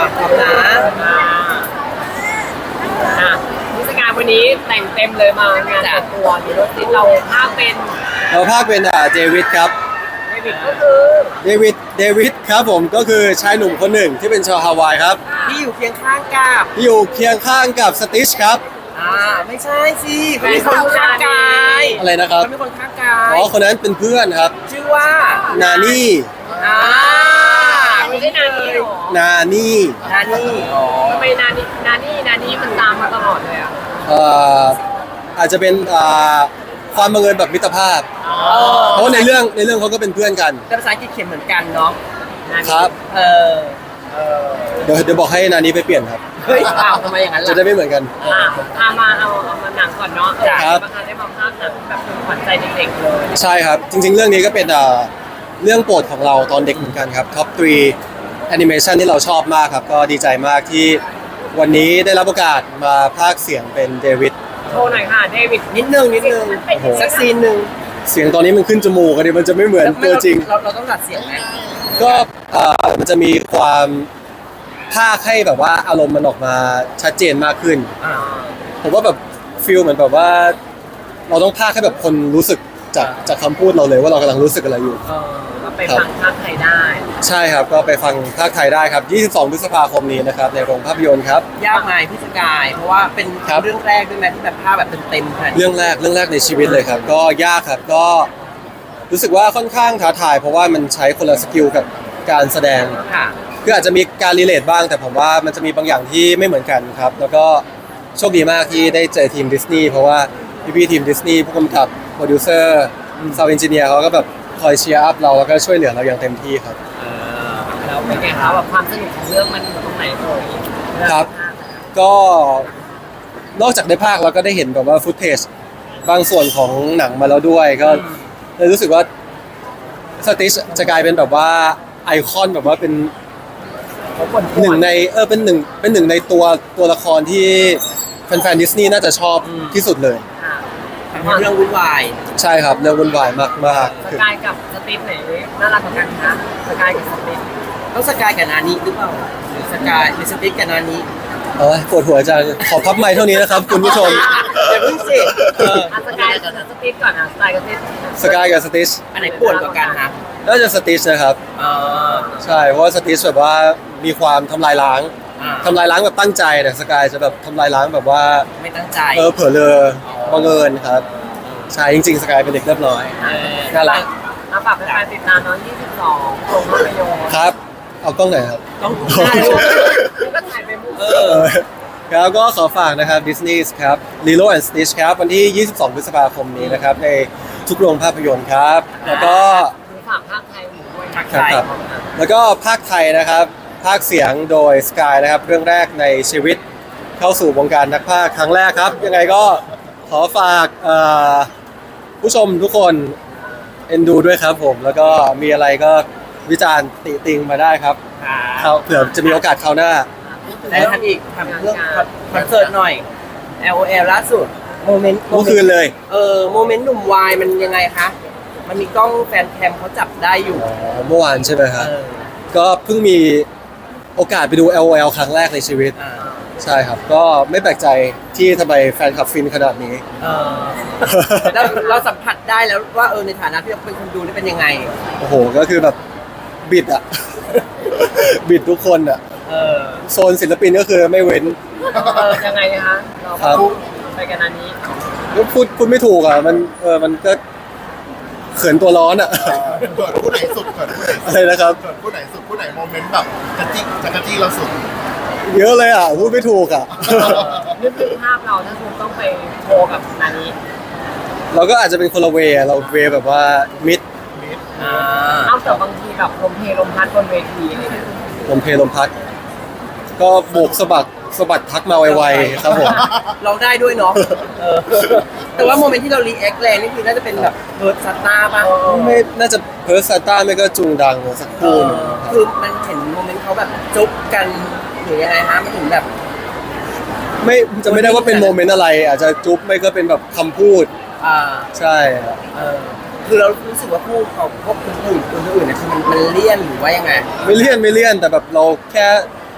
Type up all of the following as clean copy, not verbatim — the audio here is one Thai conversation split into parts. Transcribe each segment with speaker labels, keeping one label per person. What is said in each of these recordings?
Speaker 1: ขอบนะนิสการวันนี้แต่งเต็มเลยมางานจัดตัวมีรถติดเราภาคเป็น
Speaker 2: เราภาคเป็นเดวิดครับ
Speaker 1: เดวิดก็คือ
Speaker 2: เดวิดครับผมก็คือชายหนุ่มคนหนึ่งที่เป็นชาวฮาวายครับ
Speaker 1: ที่อยู่เคียงข้างกับ
Speaker 2: ที่อยู่เคียงข้างกับสติชครับ
Speaker 1: ไม่ใช่สิเขามีคนข้างกาย
Speaker 2: อะไรนะครับ
Speaker 1: เขามีคนข้างกาย
Speaker 2: อ๋อคนนั้นเป็นเพื่อนครับ
Speaker 1: ชื่อว่า
Speaker 2: นานี่
Speaker 1: ไม่ใช่นานี่หรอ
Speaker 2: นานี่
Speaker 1: นานี่ทำไมนานี่มันตามมาตลอดเลยอ่ะ
Speaker 2: อาจจะเป็นความบังเอิญแบบมิตรภาพเพราะว่าในเรื่องเขาก็เป็นเพื่อนกัน
Speaker 1: แต่ภาษาอังกฤษเขียนเหมือนกันเนาะ
Speaker 2: ครับเดี๋ยวบอกให้นานี่ไปเปลี่ยนครับ
Speaker 1: เฮ้ยทำไมอย่างนั้นล่ะ
Speaker 2: จะได้ไม่เหมือนกัน
Speaker 1: มาเอามาหนังก่อนเนาะ
Speaker 2: ครับ
Speaker 1: ได้มาภาคหนังแบบเป็นขวัญใจเด็กๆเลย
Speaker 2: ใช่ครับจริงๆเรื่องนี้ก็เป็นเรื่องโปรดของเราตอนเด็กเหมือนกันครับท็อป3แอนิเมชันที่เราชอบมากครับก็ดีใจมากที่วันนี้ได้รับโอกาสมาพากย์เสียงเป็นเดวิด
Speaker 1: โชว์หน่อยค่ะเดวิดนิดนึงสักซีนหนึ่ง
Speaker 2: เสียงตอนนี้มันขึ้นจมูกกันดิมันจะไม่เหมือนตัวจริง
Speaker 1: เราต้องดัดเสียงไหม
Speaker 2: ก็มันจะมีความพากย์ให้แบบว่าอารมณ์มันออกมาชัดเจนมากขึ้นผมว่าแบบฟีลเหมือนแบบว่าเราต้องพากย์ให้แบบคนรู้สึกจากคำพูดเราเลยว่าเรากำลังรู้สึกอะไรอยู่
Speaker 1: ก็ไปฟังภาคไทยได้
Speaker 2: ใช่ครับก็ไปฟังภาคไทยได้ครับ22 พฤษภาคมนี้นะครับในโรงภาพยนตร์ครับ
Speaker 1: ยากไหมพี่สกายเพราะว่าเป็นเรื่องแรกด้วยไหมที่แบบภาพแบบเต็มๆ
Speaker 2: เรื่องแรกในชีวิตเลยครับก็ยากครับก็รู้สึกว่าค่อนข้างท้าทายเพราะว่ามันใช้คนละสกิลกับการแสดงคืออาจจะมีการรีเลทบ้างแต่ผมว่ามันจะมีบางอย่างที่ไม่เหมือนกันครับแล้วก็โชคดีมากที่ได้เจอทีมดิสนีย์เพราะว่าพี่ทีมดิสนีย์ผู้กำกับโปรดิวเซอร์ซาวด์เอนจิเนียร์เขาก็แบบคอยเชียร์อัพเราแล้วก็ช่วยเหลือเราอย่างเต็มที่ครับ
Speaker 1: แล้วเป็นไงครับแบบความสนุกของเรื่องมันตรงไหนเอ่ย
Speaker 2: ครับก็นอกจากได้ภาคเราก็ได้เห็นแบบว่าฟุตเทจบางส่วนของหนังมาแล้วด้วยก็เลยรู้สึกว่าสติชจะกลายเป็นแบบว่าไอคอนแบบว่าเป็นหนึ่งในเป็นหนึ่งในตัวละครที่แฟนๆดิสนีย์น่าจะชอบที่สุดเลย
Speaker 1: เรื่องวุ่นวาย
Speaker 2: ใช่ครับเรื่องวุ่นวายมาก
Speaker 1: ๆสกายกับสติชไหนน่ารักกว่ากันคะสกายกับสติชต้องสกายกับนานี้หรือเปล่าหรือสกายหรือสติชกับนานี้
Speaker 2: ปวดหัวจังขอพับไมค์เท่านี้นะครับคุณผู้ชม
Speaker 1: อย่าเพิ่งสิสกายกับสติชก่อนสกายกับ
Speaker 2: สติช
Speaker 1: อันไหนปวดกว่ากันคะ
Speaker 2: น่าจะสติชนะครับใช่เพราะว่าสติชแบบว่ามีความทำลายล้างแบบตั้งใจแต่สกายจะแบบทำลายล้างแบบว่า
Speaker 1: ไม่ตั้งใจ
Speaker 2: เผลอเลยบังเอิญครับใช่จริงๆสกายเป็นเด็กเรียบร้อยน่ารัก
Speaker 1: ฝากแฟนๆติดตามน้อง22โรงภาพยนตร์
Speaker 2: ครับเอากล้องไหนครับ
Speaker 1: กล้องถ่ายก็ถ่ายไปมุก
Speaker 2: แล้วก็ขอฝากนะครับ Disney ครับ Lilo and Stitch ครับวันที่ 22 พฤษภาคมนี้นะครับในทุกโรงภาพยนตร์ครับแล้วก็
Speaker 1: ฝากภาคไทยด้วย
Speaker 2: ครับแล้วก็ภาคไทยนะครับภาคเสียงโดย Sky นะครับเรื่องแรกในชีวิตเข้าสู่วงการนักพากย์ครั้งแรกครับยังไงก็ขอฝากผู้ชมทุกคนเอ็นดูด้วยครับผมแล้วก็มีอะไรก็วิจารณ์ติติงมาได้ครับเผื่อจะมีโอกาสคราวหน้า
Speaker 1: แล้วทำอีกทำเรื่องคอนเสิร์ตหน่อย LOL ล่าสุดโมเมนต์
Speaker 2: เมื่อคืนเลย
Speaker 1: โมเมนต์หนุ่มวายมันยังไงคะมันมีกล้องแฟนแคมเขาจับได้อยู่
Speaker 2: เมื่อวานใช่ไหมครับก็เพิ่งมีโอกาสไปดู LOL ครั้งแรกในชีวิตใช่ครับก็ไม่แปลกใจที่ทำไมแฟนคลับฟินขนาดนี้
Speaker 1: แล้วเราสัมผัสได้แล้วว่าในฐานะที่เราเป็นคนดูนี่เป็นยังไง
Speaker 2: โอ้โหก็คือแบบบิดอะบิดทุกคนอะโซนศิลปินก็คือไม่เว้น
Speaker 1: ยังไงคะเราไปกันอันนี้
Speaker 2: ก็พูดไม่ถูกอะมันก็เขินตัวร้อนอะ
Speaker 3: เกิดผู้ไหนสุด
Speaker 2: อะไรนะครับ
Speaker 3: เกิดผู้ไหนสุดผู้ไหนโมเมนต์แบบกระจี้เราสุด
Speaker 2: เยอะเลยอ่ะพูดไม่ถูกอ่ะ
Speaker 1: นึกถึงภาพเราถ้าคุณต้องไปโชว์กับนานี้
Speaker 2: เราก็อาจจะเป็นคนละเวเราเวแบบว่ามิด
Speaker 1: เอาแต่บางทีแบบลมเพลลมพัดบนเวทีอะไรเงี้ย
Speaker 2: ลมเพลลมพัดก็โบกสะบัดทักมาไวๆครับผม
Speaker 1: เราได้ด้วยเนาะแต่ว่าโมเมนต์ที่เรารีแอคแรงนี่คือน่าจะเป็นแบบเพิร์สตาร์ป่ะ
Speaker 2: ไม่น่าจะเพิร์สตาร์ไม่ก็จุงดังสักคู่
Speaker 1: คือมันเห็นโมเมนต์เขาแบบจุ๊บกันหรือยังไงฮะมันถึงแบบ
Speaker 2: ไม่จะไม่ได้ว่าเป็นโมเมนต์อะไรอาจจะจุ๊บไม่ก็เป็นแบบคำพูดใช่
Speaker 1: คือเรารู้สึกว่าพวกคนอื่นเนี่ยคือมันเลี่ยนหรือว่ายังไง
Speaker 2: ไม่เลี่ยนแต่แบบเราแค่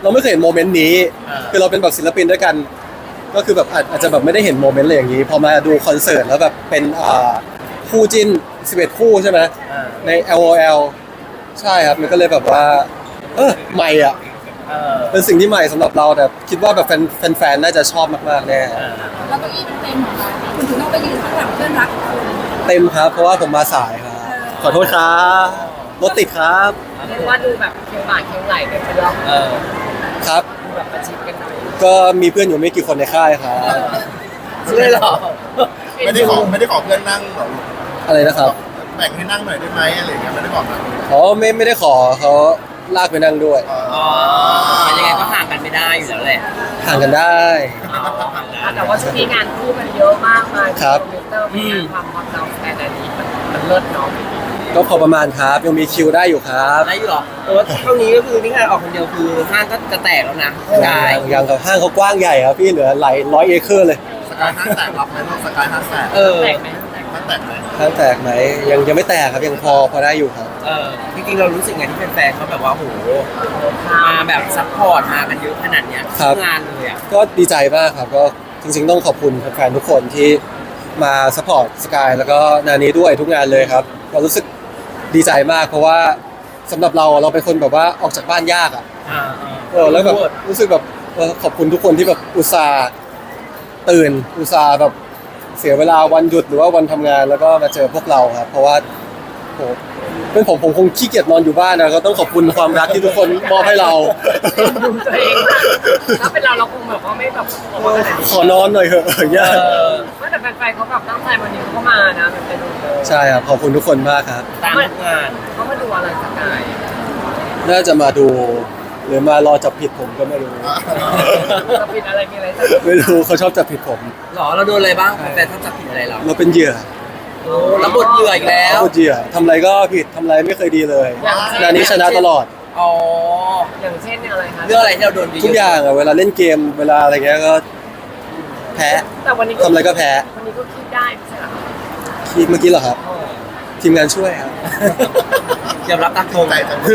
Speaker 2: เราไม่เคยเห็นโมเมนต์นี้คือเราเป็นแบบศิลปินด้วยกัน ก็คือแบบอาจจะแบบไม่ได้เห็นโมเมนต์อะไรอย่างนี้พอมาดูคอนเสิร์ตแล้วแบบเป็นคู่จิ้น11คู่ใช่ไหมใน LOL ใช่ครับมันก็เลยแบบว่าใหม่อ่ะเป็นสิ่งที่ใหม่สำหรับเราแต่คิดว่าแบบแฟนๆน่าจะชอบมากๆแน่
Speaker 4: แล้วเก้าอี้มันเต็มเหรอคะคุณถึงต้องไปยืนข้างหลังเพื่อนรักของคุณ
Speaker 2: เต็มครับเพราะว่าผมมาสายครับขอโทษครับรถติดครับ
Speaker 1: เรียกว่าดูแบบเคียงบ่าเคียงไหล่กันไปแล้ว
Speaker 2: ครับ
Speaker 1: ดูแบบประชิดกันหน่อย
Speaker 2: ก็มีเพื่อนอยู่ไม่กี่คนในค่ายครับ
Speaker 1: เลยเหรอ
Speaker 3: ไม่ได้ขอเพื่อนนั่งหรอ
Speaker 2: อะไรนะครับ
Speaker 3: แบ่งให้นั่งหน่อยได้ไหมอะไรอย่างเงี้ยไม่ได้บอกนะ
Speaker 2: อ๋อไม่ได้ขอเขาลากไปนั่งด้วย
Speaker 1: อ๋อยังไงก็ห่างกันไม่ได้อยู่แล้วแหละ
Speaker 2: ห่างกันได้
Speaker 1: แต่ว่าช่วงนี้งานคู่กันเยอะมากมาย
Speaker 2: ครับ
Speaker 1: คอมพิวเตอร์มีความฮอตเราแค่อันนี้มันเลิศเนาะ
Speaker 2: ก็พอประมาณครับยังมีคิวได้อยู่ครับ
Speaker 1: ได้อยู่หรอแต่ว่าเท่านี้ก็คือนี่งานออกคนเดียวคือห้างก็จะแตกแล้วนะกาย
Speaker 2: อย่างกับห้างเขากว้างใหญ่ครับพี่เหลือหลายร้อยเอเคอร์เลย
Speaker 3: สกายห้างแตกรับไหมลูกสกายห้างแตก
Speaker 1: แตกไหม
Speaker 3: ห้างแตกไหม
Speaker 2: ห้างแตกไหมยังไม่แตกครับยังพอได้อยู่ครับ
Speaker 1: จริงๆเรารู้สึกไงที่แฟนๆเขาแบบว่าโหมาแบบซัพพอร์ตมากันเยอะขนาดเนี้ย
Speaker 2: ครับ
Speaker 1: ทุกงานเลยอ่ะ
Speaker 2: ก็ดีใจมากครับก็จริงๆต้องขอบคุณแฟนๆทุกคนที่มาสปอร์ตสกายแล้วก็นานี้ด้วยทุกงานเลยครับเรารู้สึกดีใจมากเพราะว่าสำหรับเราเป็นคนแบบว่าออกจากบ้านยากอ่ะแล้วแบบรู้สึกแบบขอบคุณทุกคนที่แบบอุตส่าห์ตื่นอุตส่าห์แบบเสียเวลาวันหยุดหรือว่าวันทำงานแล้วก็มาเจอพวกเราครับเพราะว่าโหเป็นผมคงขี้เกียจนอนอยู่บ้านนะก็ต้องขอบคุณความรักที่ทุกคนมอบให้เรา
Speaker 1: ดูตัวเองถ้าเป็นเราคงแบบว่าไม่แบบออกมาขนาดนี้
Speaker 2: ขอนอนหน่อยเถอะยาก
Speaker 1: ไม่แต่แฟนๆเขาแบบตั้งใจวันนี้เขาก็มานะมันเป็นดูเลย
Speaker 2: ใช่ครับขอบคุณทุกคนมากครับ
Speaker 1: ตามทุกงานเขามาดูอะไรสกาย
Speaker 2: น่าจะมาดูหรือมารอจับผิดผมก็ไม่รู้
Speaker 1: จะผิดอะไรมีอะไรจะ
Speaker 2: ไม่รู้เขาชอบจับผิดผม
Speaker 1: หรอเราโดนอะไรบ้างแฟนๆเขาจับผิดอะไรเรา
Speaker 2: เราเป็นเหยื่อ
Speaker 1: โอ้รับบทเหยื่ออีกแล้ว
Speaker 2: เราเป็นเหยื่อทำอะไรก็ผิดทำอะไรไม่เคยดีเลยงานนี้ชนะตลอด
Speaker 1: อ๋ออย่างเช่นอะไรคะเรื่องอะไรที่เราโดน
Speaker 2: ทุกอย่างอะเวลาเล่นเกมเวลาอะไรเงี้ยก็แพ้
Speaker 1: แต่วันนี้
Speaker 2: ทำอะไรก็แพ้
Speaker 1: วันนี้ก็คิดได้ไม่ใช่เหรอ
Speaker 2: คิดเมื่อกี้เหรอครับ ทีมงานช่วยครับ
Speaker 1: ยอมรับตามตรง
Speaker 3: ใจจัง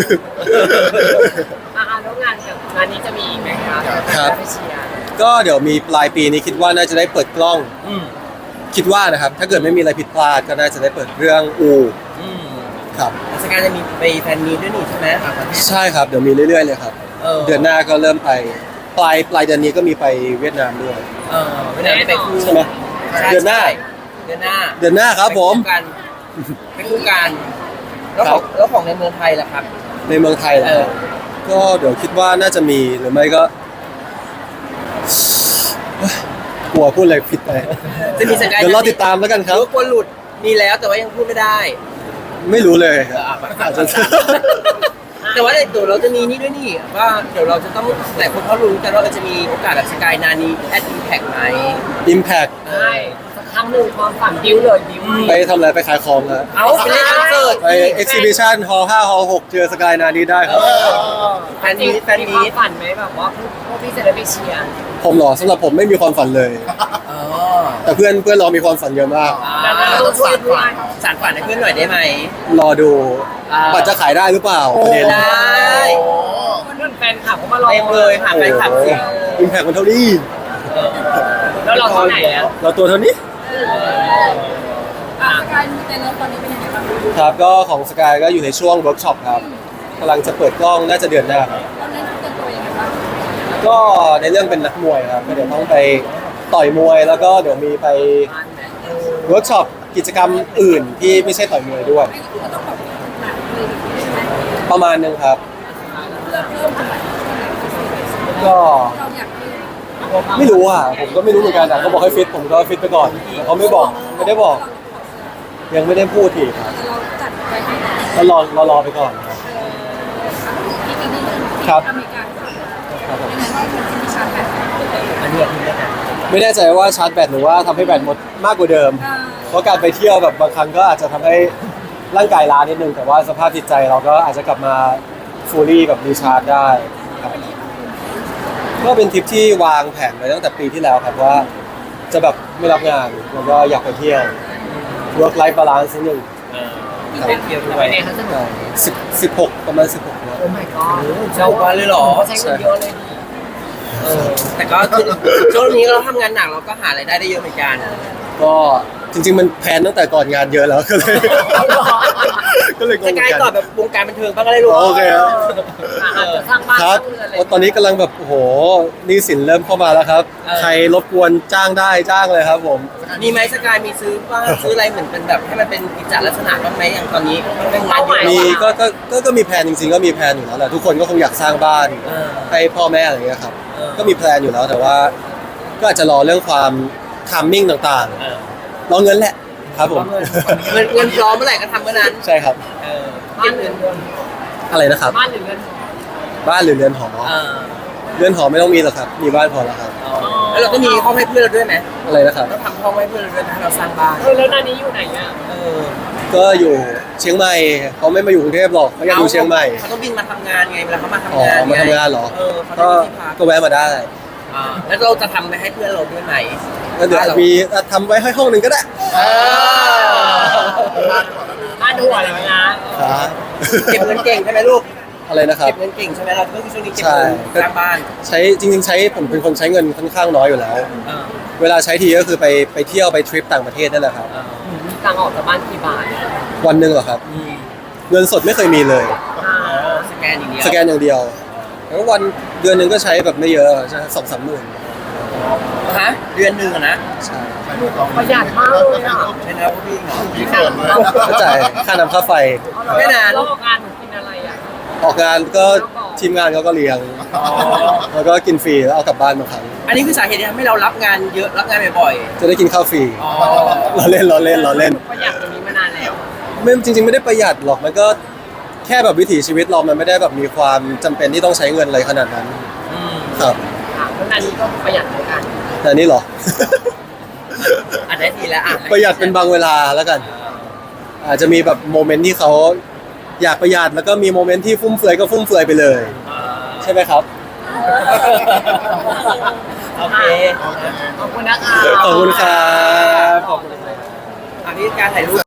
Speaker 1: แล้วงานกับงานนี้จะมีอีกไหมคะ
Speaker 2: ครับ
Speaker 1: ไปเชียร์
Speaker 2: ก็เดี๋ยวมีปลายปีนี้คิดว่าน่าจะได้เปิดกล้อง คิดว่านะครับ ถ้าเกิดไม่มีอะไรผิดพลาดก็น่าจะได้เปิดเรื่องครับ
Speaker 1: สกายจะมีไปแฟนมีด้วยนี่ใช่ไหมต่างประเทศ
Speaker 2: ใช่ครับเดี๋ยวมีเรื่อยๆเลยครับ เดือนหน้าก็เริ่มไปปลายเดือนนี้ก็มีไปเวียดนามด้วย
Speaker 1: ไม่ได้ไปคู่
Speaker 2: ใช่ไหมเดือนหน้า
Speaker 1: เดือนหน้า
Speaker 2: เดือนหน้าครับผม
Speaker 1: ไปคู่กันแล้ว
Speaker 2: ค
Speaker 1: ข
Speaker 2: รั
Speaker 1: อบ งแล้วของในเมืองไทยล่ะครับ
Speaker 2: ในเมืองไทยเหรอครับก็เดี๋ยวคิดว่าน่าจะมีหรือไม่ก็กลัวพูดอะไรผิดไป
Speaker 1: จะมีสกาย
Speaker 2: เดี๋ยวรอติดตามแล้วกันครับ
Speaker 1: รู้กลัวหลุดมีแล้วแต่ว่ายังพูดไม่ได้
Speaker 2: ไม่รู้เลยครับอาจจะ
Speaker 1: แต่ว่าเดี๋ยวเราจะมีนี่ด้วยนี่ว่าเดี๋ยวเราจะต้องหลายคนเขารู้กันว่าเราจะมีโอกาสกับสกายนานีแอดอิมแพกไหม
Speaker 2: Impact
Speaker 1: ใช่สักครั้งหนึ่งความฝันบิ้วเลยบิ้ว
Speaker 2: ไปทำอะไรไปขายของนะ
Speaker 1: เอาไปเล่นคอนเสิร์ต
Speaker 2: ไป Exhibition Hall 5 Hall 6เจอสกายนานี้ได้ครับ
Speaker 1: แฟนมีความฝันไหมแบบว่าพวกพี่จะได้ไปเชียร์
Speaker 2: ผมเหรอสำหรับผมไม่มีความฝันเลย แต่เพื่อนเรามีความฝันเยอะมาก
Speaker 1: เราต้องช่วยด้วยสานฝันให้เพื่อนหน่อยได้ไหม
Speaker 2: รอดูบัตรจะขายได้หรือเปล่าประเด็น
Speaker 1: ได้เพื่อนแฟนคลับเขามารอเต็มเลยหาแฟนคลับสิ
Speaker 2: Impact มันเท่านี้
Speaker 1: แล้วเราเท่าไหร่แล้ว
Speaker 2: เราตัวเท่านี้
Speaker 4: สกายมีแต่เริ่มตอนนี้เป็นยังไงบ้าง
Speaker 2: ครับก็ของสกายก็อยู่ในช่วงเวิร์กช็อปครับกำลังจะเปิดกล้องน่าจะเดือนหน้าครับ
Speaker 4: ตอนนี้เตรียมตัวยังไงบ้าง
Speaker 2: ก็ในเรื่องเป็นนักมวยครับก็เดี๋ยวต้องไปต่อยมวยแล้วก็เดี๋ยวมีไปเวิร์กช็อปกิจกรรมอื่นที่ไม่ใช่ต่อยมวยด้วย
Speaker 4: ไอ้นี่คือต้องแบบหนักเลยใช่ไหม
Speaker 2: ประมาณนึงครับ
Speaker 4: เพื่อเพิ่มอะไร
Speaker 2: ก็
Speaker 4: เราอยากให้
Speaker 2: ไม่รู้อ่ะผมก็ไม่รู้เหมือนกันแต่เขาบอกให้ฟิตผมก็ฟิตไปก่อนแต่เขาไม่บอกไม่ได้บอก ยังไม่ได้พูดทีครับ
Speaker 4: เราจัดไปให้ได้
Speaker 2: ก็รอไปก่อนครับ
Speaker 4: ที่นี่ที่
Speaker 2: ครับ
Speaker 4: อเมริกา
Speaker 2: ครับผม
Speaker 4: ยังไงว่ามันจะมีชาร์จแบต
Speaker 1: อันนี้คุณได้ไหม
Speaker 2: ไม่แน่ใจว่าชาร์จแบตหรือว่าทำให้แบตหมดมากกว่าเดิม เพราะการไปเที่ยวแบบบางครั้งก็อาจจะทำให้ร่างกายล้านิดนึงแต่ว่าสภาพจิตใจเราก็อาจจะกลับมาฟูลี่แบบรีชาร์จได้ครับก็เป็นทริปที่วางแผนไว้ตั้งแต่ปีที่แล้วครับว่าจะแบบไม่รับงานแล้วก็อยากไปเที่ยว work life balance นิดนึง
Speaker 4: จ
Speaker 1: มีไปเที่ยวด้ว
Speaker 5: ไป
Speaker 1: ย
Speaker 5: ไหนเขาสนุก
Speaker 2: 16ประมาณ16นะ
Speaker 5: โอ้ my god
Speaker 1: เจ้าวันเลยเหรอ
Speaker 5: ใช้เงินเยอะเลยดิ
Speaker 1: แต่ก็คือช่วงนี้เราทำงานหนักเราก็หารายได้ได้เยอะเหมือนกัน
Speaker 2: ก็จริงๆมันแพลนตั้งแต่ก่อนงานเยอะแล้วก็เลยก็เลยง
Speaker 1: ส
Speaker 2: งเหมื
Speaker 1: กาย
Speaker 2: อน
Speaker 1: ก่อน
Speaker 2: กัน
Speaker 1: แบบวงการบันเทิงบ้างก็ได้รู้
Speaker 2: โอเคครับ
Speaker 5: อาจจะสร้างบ้าน
Speaker 2: ค
Speaker 5: ส
Speaker 2: รับ
Speaker 5: ร้างเรือนอะไร
Speaker 2: โอ้ตอนนี้กำลังแบบโอ้โหหนี้สินเริ่มเข้ามาแล้วครับ ใครรบกวนจ้างได้จ้างเลยครับผม
Speaker 1: มีไหมสกายมีซื้อบ้างซื้ออะไรเหมือนเป็นแบบให้มันเป็นกิจลักษณะบ้างไหมอย่างตอนนี้เป็นงานเยอะ
Speaker 2: มีก็มีแพลนจริงๆก็มีแพลนอยู่แล้วแหละทุกคนก็คงอยากสร้างบ้าน
Speaker 1: เออ
Speaker 2: ให้พ่อแม่อะไรอย่างเงี้ยครับ
Speaker 1: เออ
Speaker 2: ก็มีแพลนอยู่แล้วแต่ว่า ก็อาจจะรอเรื่องความทามมิ่งต่าง
Speaker 1: เออ
Speaker 2: ๆรอเงินแหละครับผม
Speaker 1: เงินพร้อมเมื่อไหร่ก็ทำเมื่อนั้น
Speaker 2: ใช่ครับ
Speaker 1: เออ
Speaker 5: บ้านหรือเรือน
Speaker 2: อะไรนะครับ
Speaker 5: บ้านหรือเรือน
Speaker 2: บ้านหรือเรือนหอ
Speaker 1: เออ
Speaker 2: เรือนหอไม่ต้องมีหรอกครับ มีบ้านพอแล้วครับ
Speaker 1: แล้วเราก็มีห้องให้เพื่อนเราด้วยไหม
Speaker 2: อะไรนะครับ
Speaker 1: เราทำห้องให้เพื่อนเราด้วยให้เราสร้างบ้าน
Speaker 5: แล้วนานี้อยู่ไหนอ่ะ
Speaker 1: เออ
Speaker 2: ก็อยู่เชียงใหม่เขาไม่มาอยู่กรุงเทพหรอกเขาอยากอยู่เชียงใหม่
Speaker 1: เขาต้องบินมาทำงานไงเวลาเขามาทำ
Speaker 2: อ๋อง
Speaker 1: าน
Speaker 2: มาทำงานเหรอ
Speaker 1: เออเขา
Speaker 2: ก็
Speaker 1: ต้องมีที่พัก
Speaker 2: ก็แวะมาได้
Speaker 1: อ่าแล้วเราจะทำไปให้เพื่อนเราด้วยไหม
Speaker 2: แล้วเดี๋ยวมีทำไว้ให้ห้องหนึ่งก็ได้
Speaker 1: เออ
Speaker 5: บ้านดูอะไรนะ
Speaker 2: ครับ
Speaker 1: เก็บเงินเก่งใช่ไหมลูก
Speaker 2: อะไรนะครับ
Speaker 1: เก็บเงินเก่งใช่ไหมเราก็คือช่วงนี้เก็บ
Speaker 2: ใช่
Speaker 1: เงินสร้างบ้าน
Speaker 2: ใช้จริงๆใช้ผมเป็นคนใช้เงินค่อนข้างน้อยอยู่แล้ว
Speaker 1: เออ
Speaker 2: เวลาใช้ทีก็คือไปเที่ยวไปทริปต่างประเทศนั่นแหละครับ
Speaker 1: เออ
Speaker 5: มีตังค์ออกจากบ้านกี่บาท
Speaker 2: วันหนึ่งเหรอครับ
Speaker 1: อืม
Speaker 2: เงินสดไม่เคยมีเลย
Speaker 1: อ๋อสแกนอย่างเดียว
Speaker 2: สแกนอย่างเดียวแล้ววันเดือนหนึ่งก็ใช้แบบไม่เยอะใช่2-3หมื่น
Speaker 1: ฮะเดือนหนึ่งอะนะ
Speaker 2: ใช่
Speaker 5: ประหยัดมากเลยอ่ะ
Speaker 1: ใช่แล้วพี่เนาะ
Speaker 3: พี่เขินเลย
Speaker 2: ก็จ่ายค่าน้ำค่าไฟ
Speaker 1: ไม่นาน
Speaker 5: แล้วงานหนูกินอะไรอ่ะ
Speaker 2: ออกงานก็ทีมงานเขาก็เลี้ยง
Speaker 1: อ๋อ
Speaker 2: แล้วก็กินฟรีแล้วเอากลับบ้านบางครั้ง
Speaker 1: อันนี้คือสาเหตุที่ทำให้เรารับงานเยอะรับงานบ่อย
Speaker 2: จะได้กินข้าวฟรี
Speaker 1: ๆอ๋อ
Speaker 2: เราเล่น
Speaker 5: ประหยัดตรงนี้มานานแล้ว
Speaker 2: ไม่จริงๆไม่ได้ประหยัดหรอกมันก็แค่แบบวิถีชีวิตเรามันไม่ได้แบบมีความจำเป็นที่ต้องใช้เงินอะไรขนาดนั้น
Speaker 1: อืม
Speaker 2: ครับ
Speaker 5: ค่ะแล้วนานี้ก็ประหยัดเหมือนกัน
Speaker 2: แต่นี่เหรอ
Speaker 1: อันนี้ดีแล้วอ่ะ
Speaker 2: ประหยัดเป็นบางเวลาแล้วกัน อาจจะมีแบบโมเมนต์ที่เขาอยากประหยัดแล้วก็มีโมเมนต์ที่ฟุ่มเฟือยก็ฟุ่มเฟือยไปเลย ใช่ไหมครับ
Speaker 1: โอเค
Speaker 5: ขอบคุณนะคะ
Speaker 2: ขอบคุณครับ
Speaker 1: อันนี้การถ่ายรูป